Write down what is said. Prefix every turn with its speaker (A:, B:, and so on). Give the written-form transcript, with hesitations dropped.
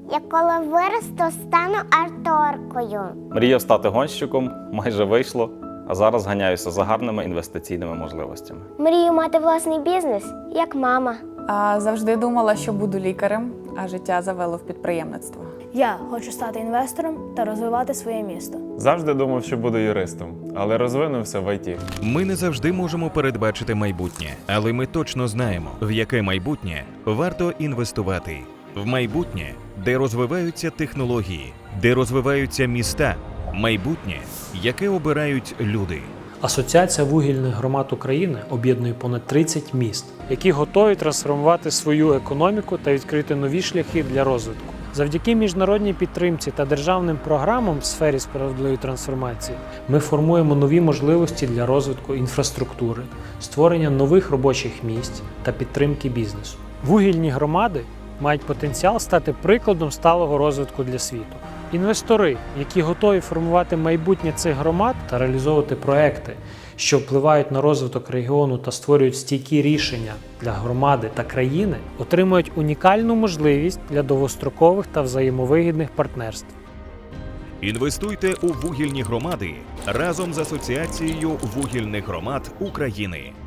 A: Я коли виросту, стану акторкою.
B: Мріяв стати гонщиком, майже вийшло, а зараз ганяюся за гарними інвестиційними можливостями.
A: Мрію мати власний бізнес, як мама.
C: А завжди думала, що буду лікарем, а життя завело в підприємництво.
D: Я хочу стати інвестором та розвивати своє місто.
E: Завжди думав, що буду юристом, але розвинувся в ІТ.
F: Ми не завжди можемо передбачити майбутнє, але ми точно знаємо, в яке майбутнє варто інвестувати. В майбутнє, де розвиваються технології, де розвиваються міста. Майбутнє, яке обирають люди.
G: Асоціація вугільних громад України об'єднує понад 30 міст, які готові трансформувати свою економіку та відкрити нові шляхи для розвитку. Завдяки міжнародній підтримці та державним програмам в сфері справедливої трансформації ми формуємо нові можливості для розвитку інфраструктури, створення нових робочих місць та підтримки бізнесу. Вугільні громади мають потенціал стати прикладом сталого розвитку для світу. Інвестори, які готові формувати майбутнє цих громад та реалізовувати проекти, що впливають на розвиток регіону та створюють стійкі рішення для громади та країни, отримують унікальну можливість для довгострокових та взаємовигідних партнерств.
F: Інвестуйте у вугільні громади разом з Асоціацією вугільних громад України.